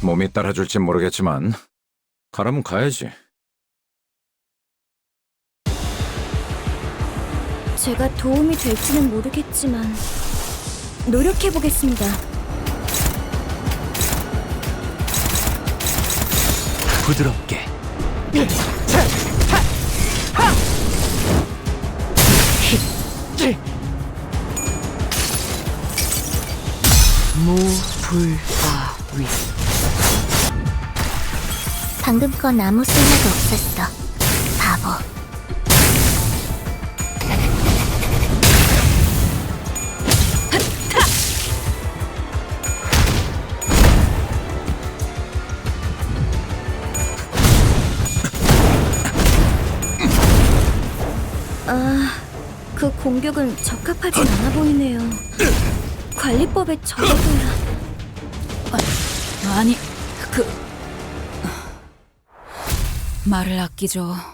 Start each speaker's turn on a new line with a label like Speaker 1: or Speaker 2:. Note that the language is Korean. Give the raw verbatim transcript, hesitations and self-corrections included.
Speaker 1: 몸이 따라줄진 모르겠지만 가라면 가야지.
Speaker 2: 제가 도움이 될지는 모르겠지만 노력해보겠습니다.
Speaker 3: 부드럽게. 무불화위.
Speaker 2: 방금 건 아무 쓸모도 없었어. 바보. 아, 그 공격은 적합하진 않아 보이네요. 관리법에 적어둬야...
Speaker 4: 아니, 그... 말을 아끼죠.